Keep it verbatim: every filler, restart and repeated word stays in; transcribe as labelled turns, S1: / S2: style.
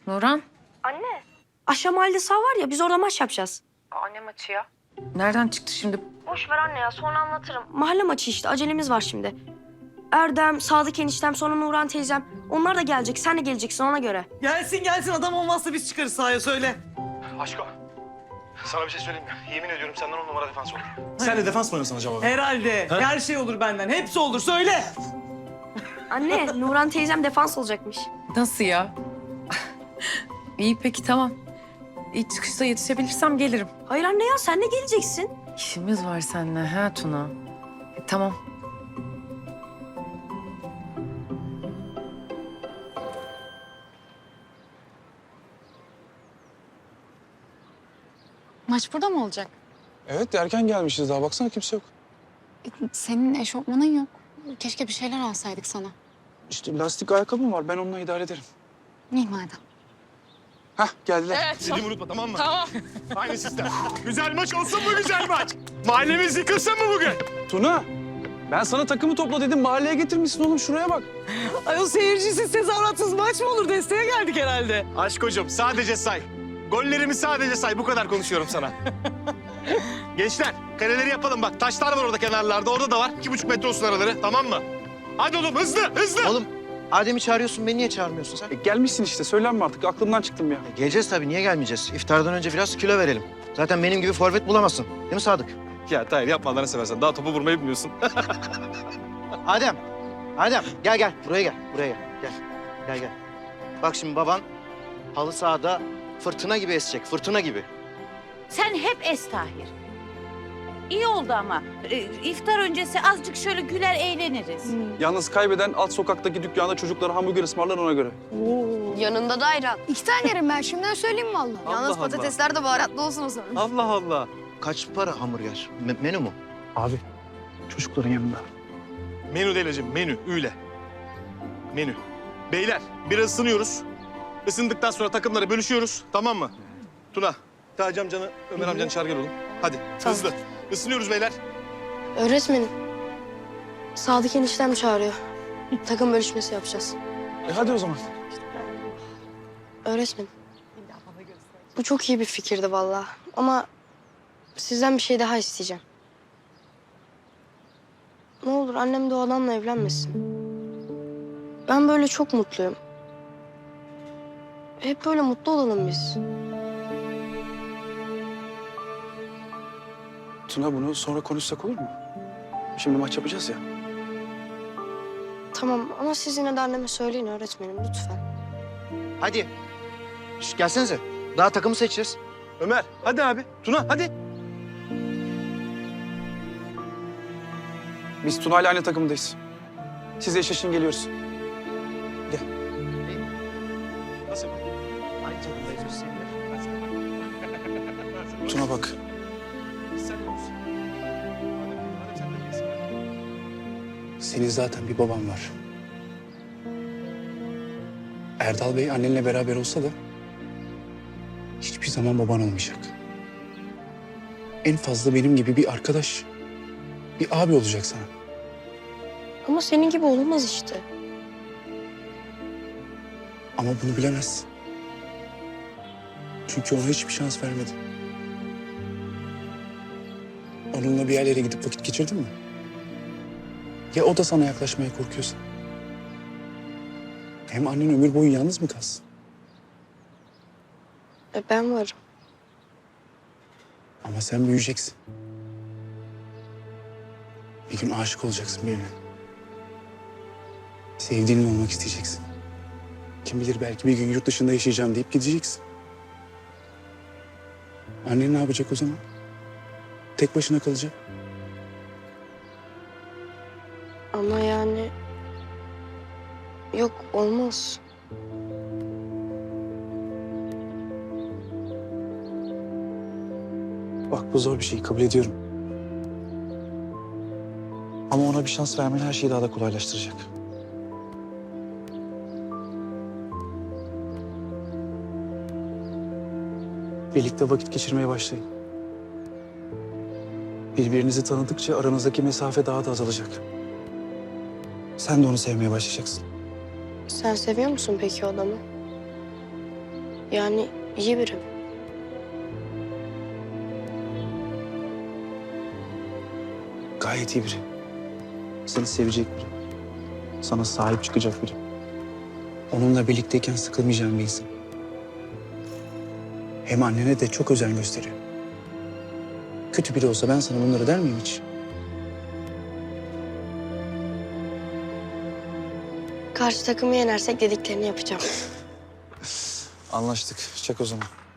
S1: Nurhan,
S2: Anne. Aşağı mahallede sağ var ya, biz orada maç yapacağız.
S1: anne maçı ya. Nereden çıktı şimdi?
S2: Boş ver anne ya, sonra anlatırım. Mahalle maçı işte, acelemiz var şimdi. Erdem, Sadık eniştem, sonra Nurhan teyzem. Onlar da gelecek, sen de geleceksin ona göre.
S3: Gelsin gelsin, adam olmazsa biz çıkarız sahaya, söyle.
S4: Aşko, sana bir şey söyleyeyim mi? Yemin ediyorum senden on numara defans olur. Sen de defans mı oynasan acaba?
S3: Herhalde.
S4: Ha?
S3: Her şey olur benden. Hepsi olur. Söyle.
S2: Anne, Nurhan teyzem defans olacakmış.
S1: Nasıl ya? İyi peki tamam. İyi çıkışta yetişebilirsem gelirim.
S2: Hayır anne ya, sen de geleceksin.
S1: İşimiz var seninle ha Tuna. E, tamam.
S5: Maç burada mı olacak?
S6: Evet, erken gelmişiz daha. Baksana kimse yok.
S5: Senin eşofmanın yok. Keşke bir şeyler alsaydık sana.
S6: İşte lastik ayakkabım var. Ben onunla idare ederim.
S5: İyi madem.
S6: Hah, geldiler.
S4: Dediğimi unutma, tamam mı? Tamam. Aynı sistem. Güzel maç olsun mu güzel maç? Mahallemiz yıkılsın mı bugün?
S6: Tuna, ben sana takımı topla dedim. Mahalleye getirmişsin oğlum. Şuraya bak.
S3: Ay o seyircisiz, tezahüratsız maç mı olur? Desteğe geldik herhalde.
S4: Aşkocuğum sadece say. Gollerimi sadece say. Bu kadar konuşuyorum sana. Gençler, kareleri yapalım bak. Taşlar var orada kenarlarda. Orada da var. İki buçuk metre olsun araları. Tamam mı? Hadi oğlum hızlı hızlı.
S7: Oğlum Adem'i çağırıyorsun, beni niye çağırmıyorsun sen?
S6: E, gelmişsin işte. Söylenme artık. Aklımdan çıktım ya.
S7: E, geleceğiz tabii, niye gelmeyeceğiz? İftardan önce biraz kilo verelim. Zaten benim gibi forvet bulamazsın. Değil mi Sadık?
S4: Ya Tahir yapma Allah'ını seversen. Daha topu vurmayı bilmiyorsun.
S7: Adem, Adem gel gel. Buraya gel, buraya gel. Gel, gel gel. Bak şimdi baban halı sahada fırtına gibi esecek, fırtına gibi.
S8: Sen hep es Tahir. İyi oldu ama. Ee, iftar öncesi azıcık şöyle güler eğleniriz.
S6: Yalnız kaybeden alt sokaktaki dükkanda çocuklara hamburger ısmarlar ona göre.
S2: Yanında da ayran.
S9: İki tane yerim ben şimdiden söyleyeyim vallahi.
S7: Allah
S9: Yalnız
S7: Allah.
S9: patatesler de baharatlı olsun o zaman.
S7: Allah Allah. Kaç para hamburger? Me- menü mü?
S6: Abi, çocukların yanında.
S4: Menü değil hacım, menü. Üyle. Menü. Beyler, biraz ısınıyoruz. Isındıktan sonra takımları bölüşüyoruz. Tamam mı? Tuna, Taci amcanı, Ömer amcanı çağır gel oğlum. Hadi, hızlı. Isınıyoruz beyler.
S2: Öğretmenim, Sadık eniştem çağırıyor. Takım bölüşmesi yapacağız.
S6: E hadi o zaman.
S2: Öğretmenim, bu çok iyi bir fikirdi vallahi. Ama sizden bir şey daha isteyeceğim. Ne olur annem de o adamla evlenmesin. Ben böyle çok mutluyum. Hep böyle mutlu olalım biz.
S6: Tuna, bunu sonra konuşsak olur mu? Şimdi maç yapacağız ya.
S2: Tamam ama siz yine de anneme söyleyin öğretmenim lütfen.
S7: Hadi. Şş, gelsenize. Daha takımı seçeceğiz.
S4: Ömer, hadi abi. Tuna, hadi.
S6: Biz Tuna ile aynı takımdayız. Siz eşleşin, geliyoruz.
S4: Nasıl?
S7: Aynı takımdayız biz seninle.
S6: Tuna bak.
S4: Sen de olsun. Adem, sen de gelsin.
S6: Senin zaten bir baban var. Erdal Bey annenle beraber olsa da hiçbir zaman baban olmayacak. En fazla benim gibi bir arkadaş, bir abi olacak sana.
S2: Ama senin gibi olmaz işte.
S6: Ama bunu bilemezsin. Çünkü ona hiçbir şans vermedin. Onunla bir yerlere gidip vakit geçirdin mi? Ya o da sana yaklaşmaya korkuyorsa? Hem annen ömür boyu yalnız mı kalsın?
S2: E ben varım.
S6: Ama sen büyüyeceksin. Bir gün aşık olacaksın birine. Sevdiğinin olmak isteyeceksin. Kim bilir belki bir gün yurt dışında yaşayacağım deyip gideceksin. Annen ne yapacak o zaman? Tek başına kalacak.
S2: Ama yani... Yok olmaz.
S6: Bak bu zor bir şey, kabul ediyorum. Ama ona bir şans vermen her şeyi daha da kolaylaştıracak. Birlikte vakit geçirmeye başlayın. Birbirinizi tanıdıkça aranızdaki mesafe daha da azalacak. Sen de onu sevmeye başlayacaksın.
S2: Sen seviyor musun peki o adamı? Yani iyi biri.
S6: Gayet iyi biri. Seni sevecek biri. Sana sahip çıkacak biri. Onunla birlikteyken sıkılmayacağın bir insan. Hem annene de çok özen gösteriyor. Kötü biri olsa ben sana bunları der miyim hiç?
S2: Karşı takımı yenersek dediklerini yapacağım.
S6: Anlaştık. Çak o zaman.